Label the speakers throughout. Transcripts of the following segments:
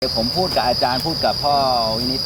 Speaker 1: ผมพูดกับอาจารย์พูดกับพ่อวินิจ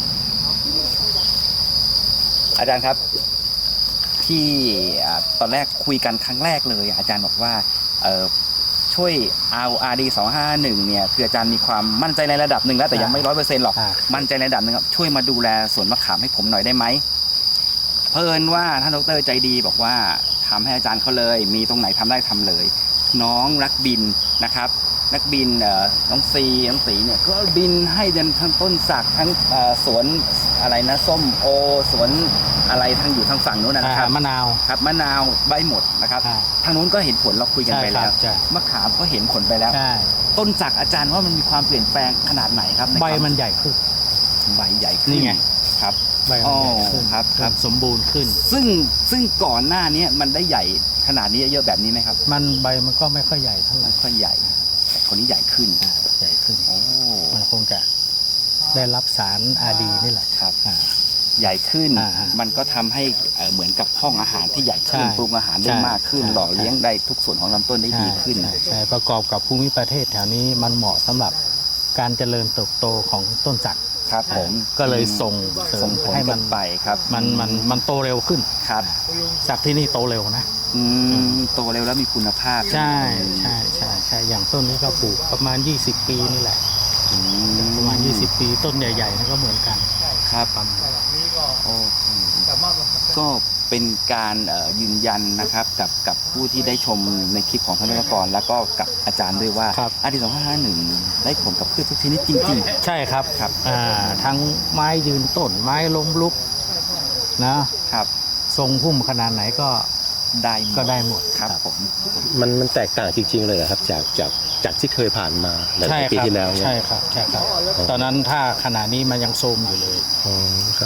Speaker 1: อาจารย์ครับที่ตอนแรกคุยกันครั้งแรกเลยอาจารย์บอกว่าช่วยเอา RD 251เนี่ยคืออาจารย์มีความมั่นใจในระดับหนึ่งแล้วแต่ยังไม่100%หรอกมั่นใจในระดับหนึ่งครับช่วยมาดูแลสวนมะขามให้ผมหน่อยได้ไหมเพิ่นว่าท่านดร.ใจดีบอกว่าทำให้อาจารย์เขาเลยมีตรงไหนทำได้ทำเลยน้องรักบินนะครับนักบินน้องสีเนี่ยก็บินให้เดินทั้งต้นสักทั้งสวนอะไรนะส้มโอสวนอะไรทางอยู่ทางฝั่งนู้นนะครับ
Speaker 2: มะนาว
Speaker 1: ครับมะนาวใบหมดนะครับทางนู้นก็เห็นผลเราคุยกันไปแล้วมะขามก็เห็นผลไปแล้วต้นสักอาจารย์ว่ามันมีความเปลี่ยนแปลงขนาดไหนครับ
Speaker 2: ใบมันใหญ่ขึ้น
Speaker 1: ใบใหญ่ขึ้น
Speaker 2: นี่ไง
Speaker 1: ครับ
Speaker 2: ใบมันใหญ่ขึ้น
Speaker 1: ครับ
Speaker 2: สมบูรณ์ขึ้น
Speaker 1: ซึ่งก่อนหน้านี้มันได้ใหญ่ขนาดนี้เยอะแบบนี้ไหมครับ
Speaker 2: มันใบมันก็ไม่ค่อยใหญ่เท่าไหร่
Speaker 1: ไม่ค่อยใหญ่แต่คนนี้ใหญ่ขึ้น
Speaker 2: ใหญ่ขึ้นมันคงจะได้รับสาร RD นี่แหละ
Speaker 1: ครับใหญ่ขึ้นมันก็ทำให้เหมือนกับห้องอาหารที่ใหญ่ขึ้นปรุงอาหารได้มากขึ้นหล่อเลี้ยงได้ทุกส่วนของลำต้นได้ดีขึ้น
Speaker 2: ใช่ประกอบกับภูมิประเทศแถวนี้มันเหมาะสำหรับการเจริญเติบโตของต้นจักร
Speaker 1: ครับผม
Speaker 2: ก็เลยส่ง
Speaker 1: ผลให้มันไปครับ
Speaker 2: มันโตเร็วขึ้น
Speaker 1: ครับ
Speaker 2: จากที่นี่โตเร็วนะ
Speaker 1: โตเร็วแล้วมีคุณภาพ
Speaker 2: ใช่อย่างต้นนี้ก็ปลูกประมาณ20 ปีนี่แหละประมาณ20 ปีต้นใหญ่ๆนั่นก็เหมือนกัน
Speaker 1: ครับก็เป็นการยืนยันนะครับกับผู้ที่ได้ชมในคลิปของท่านวิทยากรแล้วก็กับอาจารย์ด้วยว่าRD 251ได้ผลกับพืชทุกชนิดจริง
Speaker 2: ๆใช่ครับทั้งไม้ยืนต้นไม้ล้มลุกนะครับทรงพุ่มขนาดไหนก็ได้หมด
Speaker 1: ครับผม
Speaker 3: มันแตกต่างจริงๆเลยครับจากที่เคยผ่านมาหลายปีที่แล้ว
Speaker 2: ใช่ครับตอนนั้นถ้าขนาดนี้มันยังโทรมอยู่เลย
Speaker 3: ครับ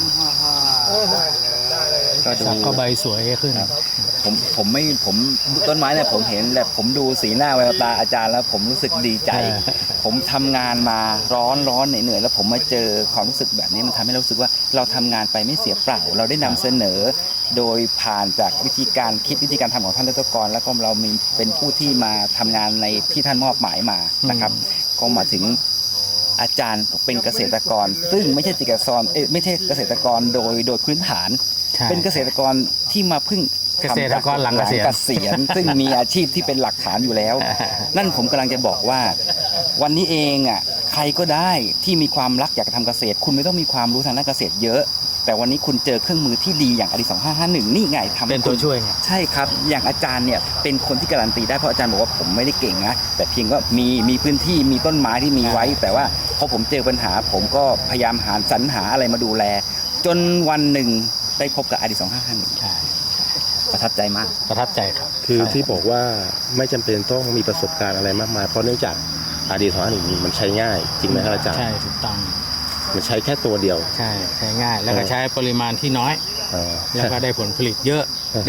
Speaker 2: ก็ใบสวยขึ้น
Speaker 1: ผมต้นไม้เนี่ยผมเห็นแต่ผมดูสีหน้าแววตาอาจารย์แล้วผมรู้สึกดีใจผมทำงานมาร้อนเหนื่อยแล้วผมมาเจอความรู้สึกแบบนี้มันทำให้เรารู้สึกว่าเราทำงานไปไม่เสียเปล่าเราได้นำเสนอโดยผ่านจากวิธีการคิดวิธีการทำของท่านดร.กรแล้วก็เรามีเป็นผู้ที่มาทำงานในที่ท่านมอบหมายมานะครับก็มาถึงอาจารย์เป็นเกษตรกรซึ่งไม่ใช่ไม่ใช่เกษตรกรโดยพื้นฐานเป็นเกษตรกรที่มาพึ่ง
Speaker 2: เกษตรกรหลังเก
Speaker 1: ษียณซึ่งมีอาชีพที่เป็นหลักฐานอยู่แล้วนั่นผมกำลังจะบอกว่าวันนี้เองใครก็ได้ที่มีความรักอยากจะทำเกษตรคุณไม่ต้องมีความรู้ทางด้านเกษตรเยอะแต่วันนี้คุณเจอเครื่องมือที่ดีอย่างRD 2551นี่ไงทำ
Speaker 2: เป็นตัวช่วยไง
Speaker 1: ใช่ครับอย่างอาจารย์เนี่ยเป็นคนที่การันตีได้เพราะอาจารย์บอกว่าผมไม่ได้เก่งนะแต่เพียงว่ามีพื้นที่มีต้นไม้ที่มีไว้แต่ว่าพอผมเจอปัญหาผมก็พยายามสรรหาอะไรมาดูแลจนวันหนึ่งได้พบกับRD 2551ประทับใจมาก
Speaker 2: ประทับใจครับ
Speaker 3: คือที่บอกว่าไม่จำเป็นต้องมีประสบการณ์อะไรมากมายเพราะเนื่องจากRD 251มันใช้ง่ายจริงไหมครับอาจารย์
Speaker 2: ใช่ถูกต้อง
Speaker 3: มันใช้แค่ตัวเดียว
Speaker 2: ใช้ง่ายแล้วก็ใช้ปริมาณที่น้อยแล้วก็ได้ผลผลิตเยอะ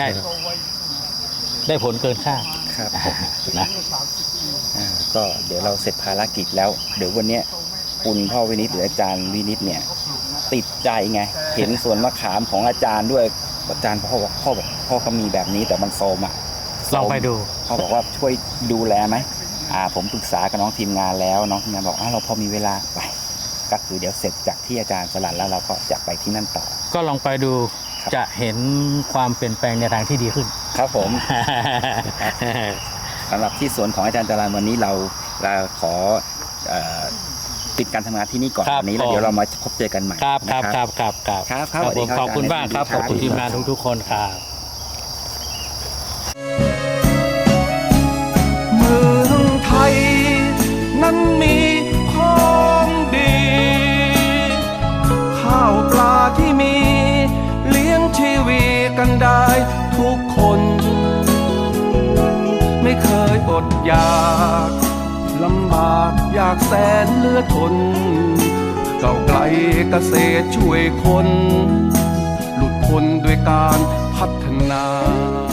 Speaker 2: ได้ผลเกินคาด
Speaker 1: ครับนะก็เดี๋ยวเราเสร็จภารกิจแล้วเดี๋ยววันนี้คุณพ่อวินิจหรืออาจารย์วินิจเนี่ยติดใจไงเห็นสวนมะขามของอาจารย์ด้วยอาจารย์พ่อก็มีแบบนี้แต่มันโซม
Speaker 2: ลองไปดู
Speaker 1: พ่อบอกว่าช่วยดูแลไหมผมปรึกษากับน้องทีมงานแล้วน้องทีมงานบอกเราพอมีเวลาไปก็คือเดี๋ยวเสร็จจากที่อาจารย์สลัดแล้วเราก็จะไปที่นั่นต่อ
Speaker 2: ก็ลองไปดูจะเห็นความเปลี่ยนแปลงในทางที่ดีขึ้น
Speaker 1: ครับผมสำหรับที่สวนของอาจารย์จรัญวันนี้เราขอปิดการทำงานที่นี่ก่อนวันนี้แล้วเดี๋ยวเรามาพบเจอกันใหม่
Speaker 2: ครับ
Speaker 1: ข
Speaker 2: อบคุณมากครับขอบคุณทีมงานทุกๆคนครับ
Speaker 4: เมืองไทยนั้นมีของดีข้าวปลาที่มีเลี้ยงชีวิตกันได้ทุกคนไม่เคยอดอยากลำบากอยากแสนเหลือทนก้าวไกลเกษตรช่วยคนหลุดพ้นด้วยการพัฒนา